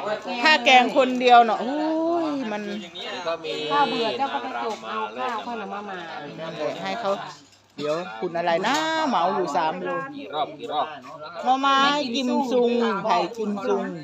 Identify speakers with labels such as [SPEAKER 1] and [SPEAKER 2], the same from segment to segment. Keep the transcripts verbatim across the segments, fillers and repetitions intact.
[SPEAKER 1] ถ้าแกงคนเดียวเนาะโอ้ยมัน
[SPEAKER 2] ข้าวเบื่อเจ้าก็ไปจกเอาข้าวข้าวหน่อมามา
[SPEAKER 1] นั่นแหละให้เขาเดี๋ยวคุณอะไรนะเหมาอยู่สามโล
[SPEAKER 3] กี่รอบกี่รอบ
[SPEAKER 1] หน่อไม้กิมซุงไผ่กิมซุง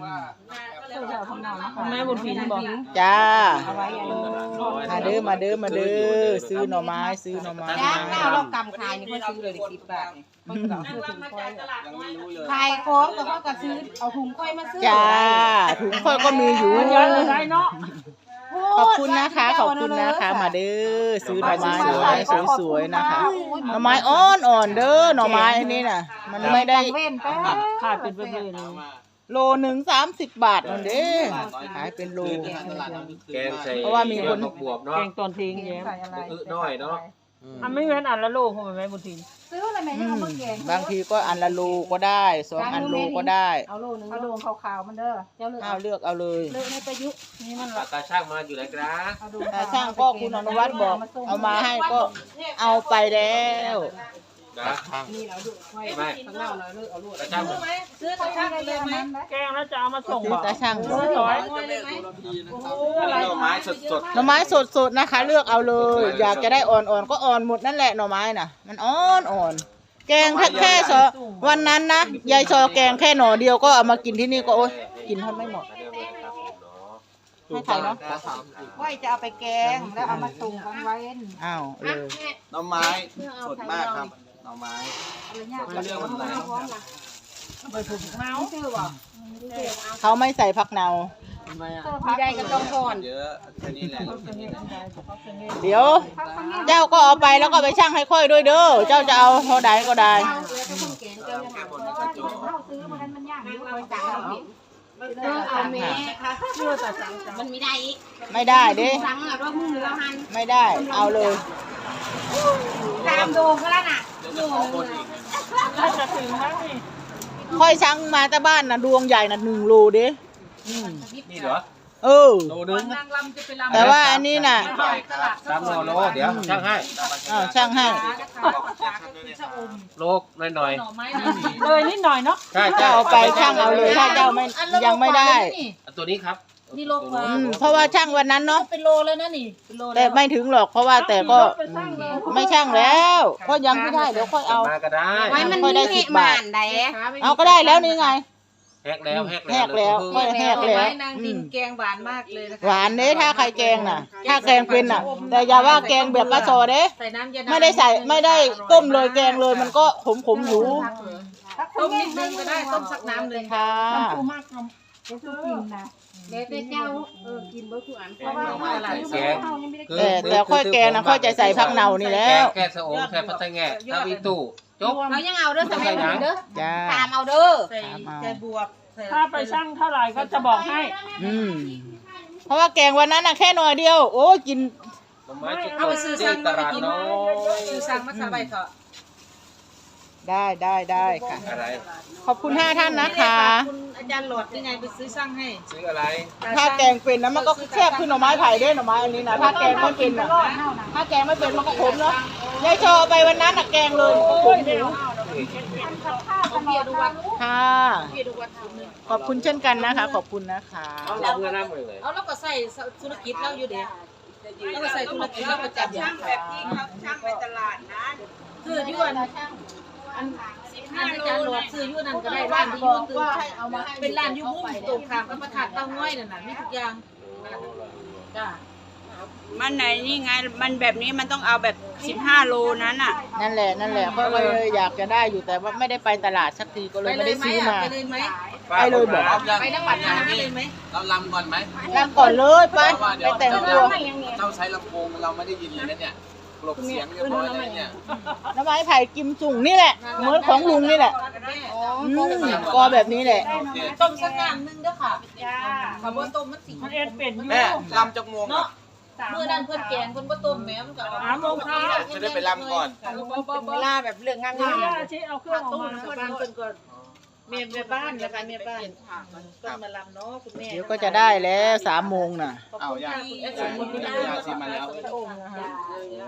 [SPEAKER 2] แม่บุญพินบอก
[SPEAKER 1] จ้า
[SPEAKER 2] เอาไว้อย่างนี้
[SPEAKER 1] มาเด้อมาเด้อมาเด้อซื้อหน่อไม้ซื้อหน่อไม้
[SPEAKER 2] จ้าเอาเรากำขายนี่ก็ซื้อเลยสิบบาทคนก็ซื้อถุงก้อยขายของก็เขาก็ซื้อเอาถุงก้อยมาซื้อ
[SPEAKER 1] จ้าถุงค่อยก็มีอยู่
[SPEAKER 2] ได้เนาะ
[SPEAKER 1] ขอบคุณนะคะขอบคุณนะคะมาเด้อซื้อหน่อไม้หน่อไม้สวยๆนะคะหน่อไม้อ่อนอ่อนเด้อหน่อไม้อันนี้น่ะมันไม่ได้
[SPEAKER 2] เว้นไปขาดเป็นเพื่อน
[SPEAKER 1] โลหนึ่งสามสิบบาทนั่นเด้ขายเป็นโล
[SPEAKER 3] แกงใส่
[SPEAKER 1] เพราะว่ามีคน
[SPEAKER 3] บวบเนาะ
[SPEAKER 2] แกงตอนทิ้งแย้ม
[SPEAKER 3] อึน้อยเนาะ
[SPEAKER 2] อันไม่เว้นอันละโลคงเป็นแม่บุญทินซื้ออะไรแม่
[SPEAKER 1] อื
[SPEAKER 2] ยังเอา
[SPEAKER 1] ม
[SPEAKER 2] มาแกง
[SPEAKER 1] บางทีก็อันละโลก็ได้สองอันโลก็ได้
[SPEAKER 2] เอาโลนึงเอาโลขาวๆมันเด้อเจ้าเลือก
[SPEAKER 1] เอาเลือกเอาเลย
[SPEAKER 2] เลือกในประยุกต์นี่มัน
[SPEAKER 3] ตาช่างมาอยู่ไหนครับ
[SPEAKER 1] ถ้าช่างก็คุณอนุวัฒน์บอกเอามาให้ก็เอาไปแล้ว
[SPEAKER 3] นะ
[SPEAKER 2] นี่เราดูไว้
[SPEAKER 3] ไม่
[SPEAKER 2] ข้างหน้าเราเลือกเอาลูก
[SPEAKER 3] ตาช่างมา
[SPEAKER 2] ซื้อตะช่างเลยไหมแกงแล้วจะเอามาส่ง
[SPEAKER 1] ซื้อตาช่าง
[SPEAKER 2] ร้อยร้อย
[SPEAKER 3] หน่อไม้สดสด
[SPEAKER 1] หน่อไม้สดๆนะคะ เลือกเอาเลย อยากจะได้อ่อนๆก็อ่อนหมดนั่นแหละหน่อไม้น่ะ มันอ่อนอ่อนแกงแค่แค่ซอวันนั้นนะยายซอแกงแค่หน่อเดียวก็เอามากินที่นี่ก็โอ๊ยกินทนไม่หมดให้ใครเนาะ
[SPEAKER 2] ว่าจะเอาไปแกงแล้วเอามาส่งกันไว้
[SPEAKER 1] อ้าวเลย
[SPEAKER 4] หน่อไม้สดมากครับหน่อไม้
[SPEAKER 2] อะไรเงี้ย
[SPEAKER 4] ไม่เลือกวันไหน
[SPEAKER 2] เมาชื่อบ่
[SPEAKER 1] เขาไม่ใส่ผักเนา
[SPEAKER 2] มีได้ก็ต้องก่อน
[SPEAKER 4] เยอะแค่นี้แหละ
[SPEAKER 1] เดี๋ยว เจ้าก็เอาไปแล้วก็ไปชั่งให้ค่อยด้วยเด้อเจ้าจะเอาเท่าใดก็ได้
[SPEAKER 2] เซื้อมากันมันยากอยู่คอยจ่ายเอาเลือกเอาแม่ค่ะเลือกแต่สั่งมันไม่ได้อีก
[SPEAKER 1] ไม่ได้เด้
[SPEAKER 2] สั่งอ่ะว่ามึงแล้วหัน
[SPEAKER 1] ไม่ได้เอาเลย
[SPEAKER 2] ตามโดงก็แล้วน่ะ
[SPEAKER 4] เดี๋ยวจะขอคนอีก
[SPEAKER 1] ค่อยชั่งมาแต่บ้านนะดวงใหญ่นะหนึ่งโลเด้อืม
[SPEAKER 3] นี่เหรอ
[SPEAKER 1] เออ
[SPEAKER 3] โลนึง
[SPEAKER 2] นางลำจะไปลำ
[SPEAKER 1] แต่ว่าอันนี้น่ะ
[SPEAKER 3] สามโลโลเดี๋ยวช่างให้
[SPEAKER 1] อ้าวช่างให้
[SPEAKER 3] โลหน่อย
[SPEAKER 2] เลยนิดหน่อยเนาะ
[SPEAKER 3] ๆใช่
[SPEAKER 1] เจ้าเอาไปช่างเอาเลยถ้าเจ้าไม่ยังไม่ได้
[SPEAKER 3] ตัวนี้ครับ
[SPEAKER 2] นี่โลกว่า
[SPEAKER 1] อืมเพราะว่าช่างวันนั้นเนาะ
[SPEAKER 2] เป็นโลเลยนะนี่เป็นโล
[SPEAKER 1] แต่ไม่ถึงหรอกเพราะว่าแต่ก็อืมไม่ช่างแล้วก็ยังไม่ได้เดี๋ยวค่อยเอา
[SPEAKER 3] มาก็ได้
[SPEAKER 2] ไว้มันมีเหตุมานใด
[SPEAKER 1] เอาก็ได้แล้วนี่ไง
[SPEAKER 3] แฮกแล้วแฮก
[SPEAKER 1] แหกแล้วค่อยแหกแล้ว
[SPEAKER 2] นางดินแกงหวานมากเลยนะคะ
[SPEAKER 1] หวานเด้ถ้าใครแกงน่ะ ถ้าแกงเป็นน่ะ แต่อย่าว่าแกงแบบปลาโซเด้
[SPEAKER 2] ใส่น้ำยา
[SPEAKER 1] ไม่ได้ใส่ไม่ได้ต้มเลยแกงเลยมันก็ขมขมๆอยู่
[SPEAKER 2] ต้มนิดนึงก็ได้ต้มสักน้ำเลย
[SPEAKER 1] ค่ะ
[SPEAKER 2] เดี๋ยวกินนะเดี๋ยวเจ้าเออกินเบอร์คืออันเพราะว่าตลาด
[SPEAKER 3] แกง
[SPEAKER 1] แต่แต่ค่อยแกงนะค่อยจะใส่ผักเนานี่แล้ว
[SPEAKER 3] แกงสะโองใส่พัตแง่ถ้ามีตู้จบ
[SPEAKER 2] เรายังเอาเด้อสมัยนี้เด้อ
[SPEAKER 1] จ้า
[SPEAKER 2] ตามเอาเด้อ
[SPEAKER 1] ใส่ใส่บว
[SPEAKER 5] ถ้าไปชั่งเท่าไหร่ก็จะบอกให้
[SPEAKER 1] อืมเพราะว่าแกงวันนั้นน่ะแค่หน่อยเดียว โอ้ยกิน
[SPEAKER 3] หน่อไม้จุดเอาไปซื้อสั่งตลาดน้อย
[SPEAKER 2] ซื้อสั่งมาสบายเถอะ
[SPEAKER 1] ได้ได้ได้ค่ะ
[SPEAKER 3] อะไร
[SPEAKER 1] ขอบคุณห้าท่านนะคะ
[SPEAKER 2] คุณอาจารย์หลอดนี่ไงไปซื้อสั่งให้
[SPEAKER 3] ซื้ออะไร
[SPEAKER 1] ถ้าแกงเป็นนะมันก็แซ่บขึ้นหน่อไม้ไผ่ด้วยหน่อไม้อันนี้นะถ้าแกงไม่เป็นนะถ้าแกงไม่เป็นมันก็ขมเนาะยายโชว์ไปวันนั้นน่ะแกงเลยมันก็ขมอยู่
[SPEAKER 2] เอาเบียร์ดูวัด
[SPEAKER 1] ค่ะ
[SPEAKER 2] เบียร์ดูวัดถุงนึง
[SPEAKER 1] ขอบคุณเช่นกันนะคะ ขอบคุณนะคะ
[SPEAKER 3] เราเงินน้ำเลย
[SPEAKER 2] เอาแล้วก็ใส่ธุรกิจเราอยู่เด้แล้วก็ใส่ธุรกิจเราประจำอย่างแบบที่เขาช่างไปตลาดนะคือยุ่นอันอันอาจารย์หลอดซื้อยุ่นนั่นก็ได้ร้านที่ยุ่นตื่นเป็นร้านยุ่งตรงข้ามกับประทัดเต้าง้อยนั่นน่ะมีทุกอย่างจ้า
[SPEAKER 6] มันไหนนี่ไงมันแบบนี้มันต้องเอาแบบสิบห้าโลนั้นอ่ะ
[SPEAKER 1] นั่นแหละนั่นแหละก็เลยอยากจะได้อยู่แต่ว่าไม่ได้ไปตลาดสักทีก็เลยไม่ได้ซื้อมา
[SPEAKER 2] ไปเลยไหม
[SPEAKER 1] ไปเลยบอก
[SPEAKER 2] ไปน้ำปัดน้ำไปเลยไหม
[SPEAKER 4] เราลำก่อนไหม
[SPEAKER 1] ลำก่อนเลยไป
[SPEAKER 4] เพราะว่าเดี๋
[SPEAKER 1] ไป
[SPEAKER 4] ยว
[SPEAKER 1] แต่งตัว
[SPEAKER 4] เจ้าใช้ลำโพงเราไม่ได้ยินเลยนะเนี่ยกลบเสียงเรียบร้อยเลยเนี่ย
[SPEAKER 1] น้ำไม้ไผ่กิมจุ่งนี่แหละเหมือนของลุงนี่แหละอืมก็แบบนี้แหละ
[SPEAKER 2] ต้มสักงานนึงเด้อค่ะจ้าขบวนต้มมันสี
[SPEAKER 5] มันเอ็ดเป็นอยู่
[SPEAKER 4] แม่ลำจากโมง
[SPEAKER 2] เนาะเมื่อนั้นเพื่อนแกงเพื่อนบ่ต้มแม่มันก็
[SPEAKER 5] สามโมงเช้า
[SPEAKER 4] จะได้ไปลำก่อน
[SPEAKER 2] เวลาแบบเรื่องงาน
[SPEAKER 5] เดี๋ยว
[SPEAKER 2] งาน
[SPEAKER 5] ย่าชี้เอาเครื่องออก
[SPEAKER 2] ต้ม
[SPEAKER 5] มา
[SPEAKER 2] บ้านเพิ่นก็เมียแม่บ้านนะคะแม่บ้านต้มมาลำเนาะคุณแม่
[SPEAKER 1] เดี๋ยวก็จะได้แล้วสามโมงน่ะ
[SPEAKER 4] เอาอย่าง
[SPEAKER 2] คุณแอด
[SPEAKER 4] อ
[SPEAKER 2] ส
[SPEAKER 4] ย่าม ง
[SPEAKER 2] มุน
[SPEAKER 4] นี้
[SPEAKER 2] ไม่
[SPEAKER 4] ได้
[SPEAKER 2] ได้
[SPEAKER 4] ยาซีมาแล้ว
[SPEAKER 2] พระองค์นะคะ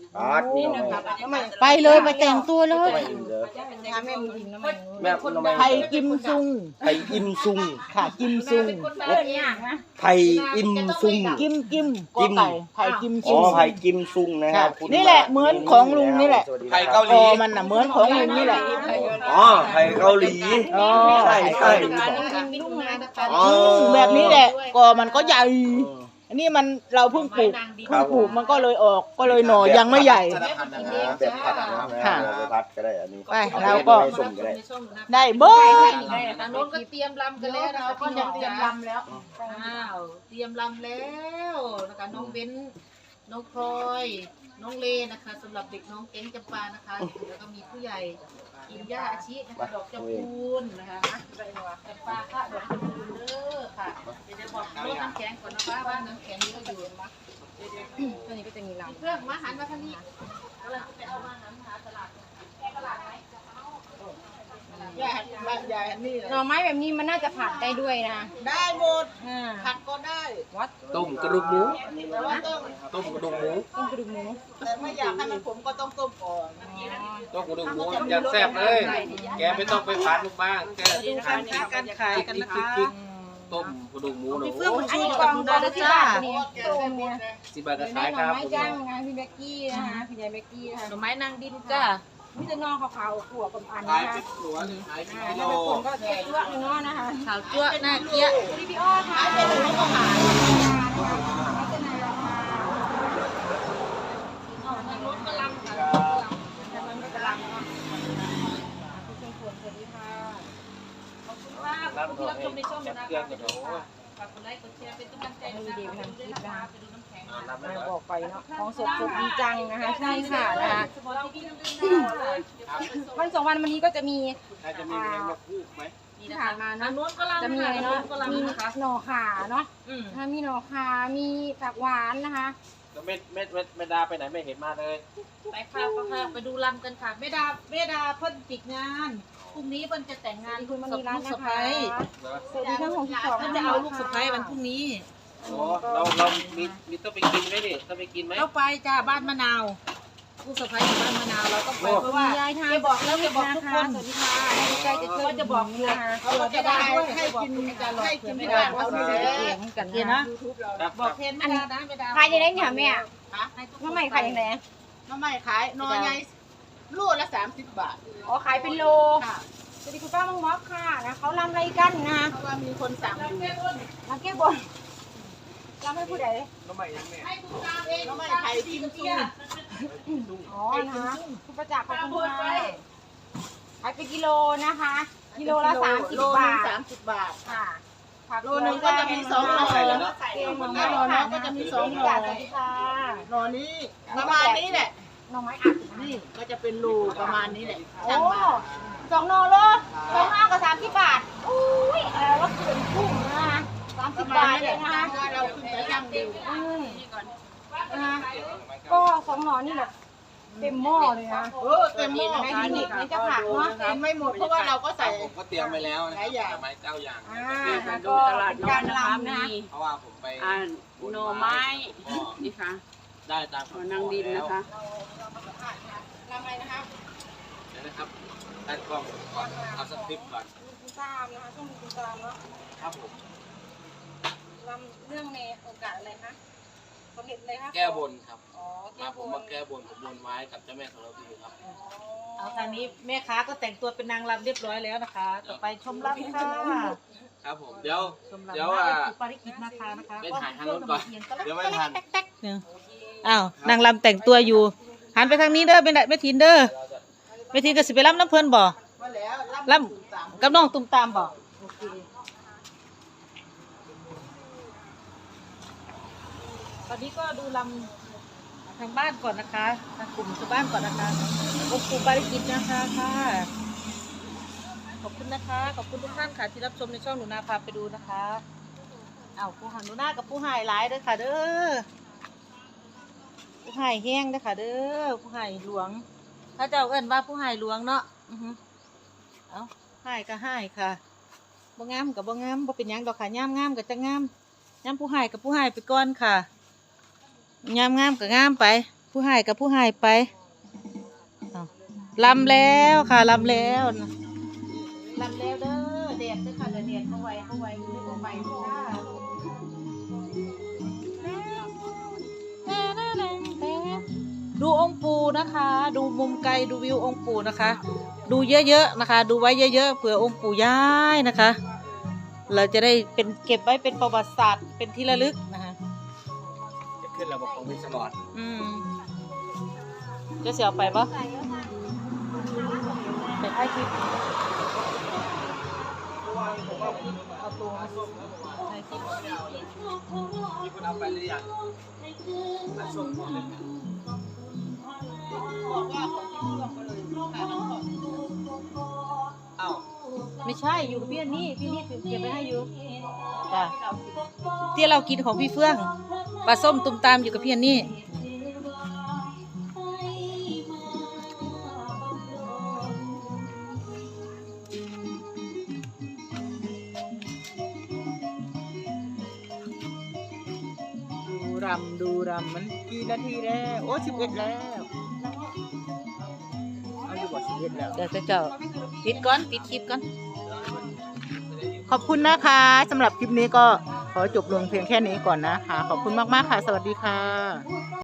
[SPEAKER 7] อาร์ตนี่นะครับ
[SPEAKER 1] ไปเลยไปแต่งตัวเลย
[SPEAKER 2] แม่มีดินน้ำมัน
[SPEAKER 7] แม่ทำไม
[SPEAKER 1] ไทยกิมซุง
[SPEAKER 7] ไทยอิมซุง
[SPEAKER 1] ค่ะกิมซุง
[SPEAKER 2] เรื่องยากนะ
[SPEAKER 7] ไทยอิมซุง
[SPEAKER 1] กิมกิม
[SPEAKER 7] กิม
[SPEAKER 1] ไก่ไทยกิม
[SPEAKER 7] อ๋
[SPEAKER 1] ซุ
[SPEAKER 7] อง ไทยกิมซุงนะค
[SPEAKER 1] ค่ะ
[SPEAKER 7] รับคุณ
[SPEAKER 1] นี่แหละเหมือนของลุงนี่แหละ
[SPEAKER 7] สวัสดี
[SPEAKER 4] ไทย
[SPEAKER 7] ครั
[SPEAKER 4] เกา
[SPEAKER 7] บ
[SPEAKER 4] หลี
[SPEAKER 1] คอมันน่ะเหมือนของลุงนี่แหละ
[SPEAKER 7] อ๋อไทยเกาหลี
[SPEAKER 1] อ๋อ
[SPEAKER 7] ใช่ใช่
[SPEAKER 2] ลูกนะ
[SPEAKER 7] อ๋อ
[SPEAKER 1] แบบนี้แหละกอมันก็ใหญ่อันนี้มันเราเพิ่งปลูกเพิ่งปลูกมันก็เลยออกก็เลยหน่อยังไม่ใหญ่
[SPEAKER 7] แบบผัดนะ
[SPEAKER 1] ค่ะ
[SPEAKER 7] แบบผัดก็ได้อันนี้
[SPEAKER 1] ไปเราก็
[SPEAKER 7] ไม่ส้มก็ได้
[SPEAKER 1] ได้เบิ้ล
[SPEAKER 2] ทางโน้นก็เตรียมลำกันแล้วนะคะ
[SPEAKER 1] ก็จะเตรียมลำแล้ว
[SPEAKER 2] อ้าวเตรียมลำแล้วนะคะน้องเบ้นน้องพลอยน้องเลนะคะสำหรับเด็กน้องเก้งจำปานะคะแล้วก็มีผู้ใหญ่กินย่าอาชีนะคะดอกจำพูนนะคะจำปาค่ะดอกจำพูนเด้อค่ะเดี๋ยวบอกรถน้ำแข็งก่อนนะคะว่าน้ำแข็งนี่ก็อยู่มั้ยตัวนี้ก็จะมีลำเครื่องมาหันมาทางนี้กำลังจะไปเอามาหันหาตลาดแกตลาดไหม
[SPEAKER 1] ยายยายนี่
[SPEAKER 2] หน่อไม้แบบนี้มันน่าจะผัดได้ด้วยนะ
[SPEAKER 1] ได้หมด
[SPEAKER 2] อ่า
[SPEAKER 1] ผัดก็ได้
[SPEAKER 2] วัด
[SPEAKER 3] ต้มกระดูกหมู
[SPEAKER 1] แต่ว่าต้อง
[SPEAKER 3] ต้มกระดูกหมู
[SPEAKER 2] ต้มกระดูกหมู
[SPEAKER 1] แต่ไม่อยากให้มันขมก็ต้องต้มก่อน
[SPEAKER 3] ต้มกระดูกหมูอย่างแซ่บเลย แกไม่ต้องไปผัดลูกบ้างแก
[SPEAKER 2] ดูการค้าการขายกันนะคะ
[SPEAKER 3] ต้มกระดูกหมูหนู
[SPEAKER 2] อันนี้กล่องกล่องละสิบบาทเนี่ยต้มเนี่ย
[SPEAKER 3] สิบบาทก็
[SPEAKER 2] หน่
[SPEAKER 3] ขายครับ
[SPEAKER 2] อไม้จ้างงานพี่เบกกี้นะคะพี่ยายเบกกี้นะคะหน่อไม้นางดินจ้ามีแต่นอขาวๆขั่วกับอัน
[SPEAKER 4] ขาย
[SPEAKER 2] นะ
[SPEAKER 4] เป็
[SPEAKER 2] คะ
[SPEAKER 4] นตัวหรือขายเป็น
[SPEAKER 2] อ่า
[SPEAKER 4] กิโล
[SPEAKER 2] ถ้าเป็นคนก็เจ๊จ้วะเนาะนะคะขาวจ้วะหน้าเกี้ยพี่อ้อค่ะเป็นหนูก็ขายลักษณะราคาอ๋อทางรถกำลังค่ะทางรถกำลังเนาะคุณชมพูสวัสดีค่ะขอบคุณมากขอบคุณที่รับชมในช่องนะคะฝากกดไลค์กดแชร์เป็นกำลังใจนะคะไปดูน้ำแข็งนะคะบอกไปเนาะของสดสดจริงจังนะคะใช่ค่ะนะคะวันสองวันวันนี้ก็จะมี
[SPEAKER 4] น่าจะมีเพลงมาคู่ไหม
[SPEAKER 2] ที่ผ่านมาเนาะจะมีอะไรเนาะมีหน่อขาเนาะถ้ามีหน่อขามีผักหวานนะคะ
[SPEAKER 3] แล้วเม็ดเม็ดเม็ดเม็ดดาไปไหนไม่เห็นมาเลย
[SPEAKER 2] ไปค่ะค่ะไปดูลำกันค่ะเมดาเมดาเพิ่นปิดงานพรุ่งนี้เพิ่นจะแต่งงานคุณมันมีร้านนะคะสวัสดีทั้งหกสิบสองเพิ่นจะเอาลูกสะใภ้วันพรุ่งนี้
[SPEAKER 3] โอ้เราเรามีมีต้องไปกินไหมดิต้องไปกินไหม
[SPEAKER 2] เราไปจ้าบ้านมะนาวลูกสะใภ้อยู่บ้านมะนาวเราต้องไปเพราะว่า
[SPEAKER 6] ยายทาน
[SPEAKER 2] แกบอกแล้วแกบอกทุกคน
[SPEAKER 6] สวัสดีค่ะ
[SPEAKER 2] ใจจะช่วยจะบอกอยู่นะคะ
[SPEAKER 1] เขาก็จะได้ให้กินให้กินที่บ้านเขานี่แหละ
[SPEAKER 2] เสียงกันนะ
[SPEAKER 3] ครับ
[SPEAKER 2] บอกเพนไม่ได้นะไม่ได้
[SPEAKER 6] ขายยังไงเนี่ยแม่
[SPEAKER 1] ฮะ
[SPEAKER 6] น้ำใหม่ขายยังไง
[SPEAKER 1] น้ำไม่ขายนอใหญ่ลูกละสามสิบบาท
[SPEAKER 6] อ๋อขายเป็นโล
[SPEAKER 1] ค่ะ
[SPEAKER 6] สวัสดีคุณป้ามังม็อกค่ะนะเขาลำอะไรกันนะ
[SPEAKER 1] เพราะว่ามีคนสั่งอยู่
[SPEAKER 6] มาแก้บนลำให้ผู้ใด
[SPEAKER 4] น้ำใหม่ยังแม่
[SPEAKER 1] น้ำไม่ไทยกิมซุง
[SPEAKER 6] อ๋อนะคะคุณประจักษ์ขอบคุณค่ะขายเป็นกิโลนะคะ กิโลละสามสิบ
[SPEAKER 1] โลหนึ่
[SPEAKER 6] บาง ท
[SPEAKER 1] สามสิบบาท
[SPEAKER 6] ค่ะผัก
[SPEAKER 1] โลหนึงก็จะมีสองหน่อ
[SPEAKER 6] เก
[SPEAKER 1] แล้
[SPEAKER 6] ง
[SPEAKER 1] ว
[SPEAKER 6] ใส่หน่อ
[SPEAKER 1] แน่นอนนะก็จะมีสองหน่อ
[SPEAKER 6] สวัสดีค่ะ
[SPEAKER 1] หน่อนี้ประมาณนี้แหละ
[SPEAKER 6] หน่อไม้อัด
[SPEAKER 1] นี่ก็จะเป็นรูประมาณนี้แหละ
[SPEAKER 6] โอ้
[SPEAKER 1] ช่างมา
[SPEAKER 6] สองโลโลสองห้ากับสามสิบบาทอุ้ยเออรถเกินคุ้มนะคะสามสิบบาทเลยนะคะ
[SPEAKER 1] ถ้าเราขึ้นไปช่างดู
[SPEAKER 6] อืมนะคะก็สองหน่อนี่แบบเต็มหม้อเลยนะ
[SPEAKER 1] เออเต็มหม้อ
[SPEAKER 6] ในที่นี่นี่จะผักเนาะ
[SPEAKER 1] กินไม่หมดเพราะว่าเราก็ใส่
[SPEAKER 4] ผมก็เตรียมไปแล้วนะ
[SPEAKER 1] หลายอย่าง
[SPEAKER 4] ไม้เก้าอย่าง
[SPEAKER 6] อ่า
[SPEAKER 8] มา
[SPEAKER 6] ก็
[SPEAKER 8] ดูตลาด
[SPEAKER 6] เป็น
[SPEAKER 8] น้อ
[SPEAKER 6] การ
[SPEAKER 8] ยนะคะ
[SPEAKER 6] ลำนะ
[SPEAKER 8] มี
[SPEAKER 4] เพราะว่าผมไป
[SPEAKER 8] อ่าหน่อไม้
[SPEAKER 4] ก็
[SPEAKER 8] นี่ค่ะ
[SPEAKER 4] ได้ตาม
[SPEAKER 8] หน่อนางดินนะคะ
[SPEAKER 6] ลำอะไรนะคะ
[SPEAKER 4] เดี๋ยวนะครับตั้งกล้องก่อนเอาสคริปต์ก่อน
[SPEAKER 6] คุณตามนะคะช่วงคุณตามเนาะ
[SPEAKER 4] ครับผม
[SPEAKER 6] ลำเรื่องในโอกาสอะไรคะสมเด็จเลยคะ
[SPEAKER 4] แก้บนครับ
[SPEAKER 6] อ๋อแก้
[SPEAKER 4] มา
[SPEAKER 6] บ
[SPEAKER 4] ผม
[SPEAKER 6] น
[SPEAKER 4] มาแก้บนผมบนไว้กับเจ้าแม่ธรณีครับ
[SPEAKER 2] เอาทางนี้แม่ค้าก็แต่งตัวเป็นนางรำเรียบร้อยแล้วนะคะ ต่อไปชมรำค่ะ
[SPEAKER 4] ครับผมเดี๋ยว
[SPEAKER 2] ชมรำ
[SPEAKER 4] เดี๋ยวอ่ะ
[SPEAKER 2] ปาริกิตนะคะนะคะ
[SPEAKER 4] ไปถ่ายทางรถก่อนเดี๋ยวไม่ทัน
[SPEAKER 2] อ้าวนางรำแต่งตัวอยู่หันไปทางนี้เด้อเป็นแม่ทินเด้อแม่ทินก็สิไปรำน้ำเพลินบ่
[SPEAKER 1] มาแล้ว
[SPEAKER 2] รำกับน้องตุ้มตามบ่โอเคตอนนี้ก็ดูลำทางบ้านก่อนนะคะทางกลุ่มชาวบ้านก่อนนะคะองค์ปู่ปาริกิตนะคะค่ะขอบคุณนะคะขอบคุณทุกท่านค่ะที่รับชมในช่องหนูนาพาไปดูนะคะอ้าวผู้หันหนูนากับผู้หายหลายเด้อค่ะ เด้อผู้หายแห้งเด้อค่ะ เด้อผู้หายหลวงถ้าเจ้าเอิ้นว่าผู้หายหลวงเนาะอือฮึเอาหายก็หายค่ะบ่งามกับบ่งามบ่เป็นหยังดอกค่ะงามงามก็จะงามงามผู้หายกับผู้หายไปก่อนค่ะงามงามก็งามไป
[SPEAKER 1] ผู้ให้กับผู้ให้ไปเอาลำแล้วค่ะลำแล้วลำแล้วเด้อเด็ดเด้อค่ะเด็ดเข้าไว้เข้าไว้อยู่ในบ่อใหม่จ้าดูองค์ปู่นะคะ ดูมุมไกลดูวิวองค์ปู่นะคะ ดูเยอะๆนะคะ ดูไว้เยอะๆเผื่อองค์ปู่ย้ายนะคะ เราจะได้เป็นเก็บไว้เป็นประวัติศาสตร์เป็นที่ระลึกนะคะ
[SPEAKER 4] จะขึ้นระบบของวิศวกร
[SPEAKER 1] อืมจะเสียไปปะไปถ่ายคลิปเอาตัวมาถ่ายคลิป
[SPEAKER 4] มีคนเอาไปหรือยังมาส่งหมดเลย
[SPEAKER 1] บอกว่าของที่เลือกไปเลยถ่ายน้ำก่อน
[SPEAKER 4] เอ้า
[SPEAKER 1] ไม่ใช่อยู่กับพี่อันนี่พี่นี่ถือเก็บไว้ให้อยู่จ้ะที่เรากินของพี่เฟื่องปลาส้มตุ้มตามอยู่กับพี่อันนี่ดูรำดูรำมันกี่นาทีแล้วโอ้สิบเอ็ดแล้วเอาอยู่บ่สิบเอ็ดแล้วเดี๋ยวจะเจ้าปิดก่อนปิดคลิปก่อนขอบคุณนะคะสำหรับคลิปนี้ก็ขอจบลงเพียงแค่นี้ก่อนนะคะขอบคุณมากๆค่ะสวัสดีค่ะ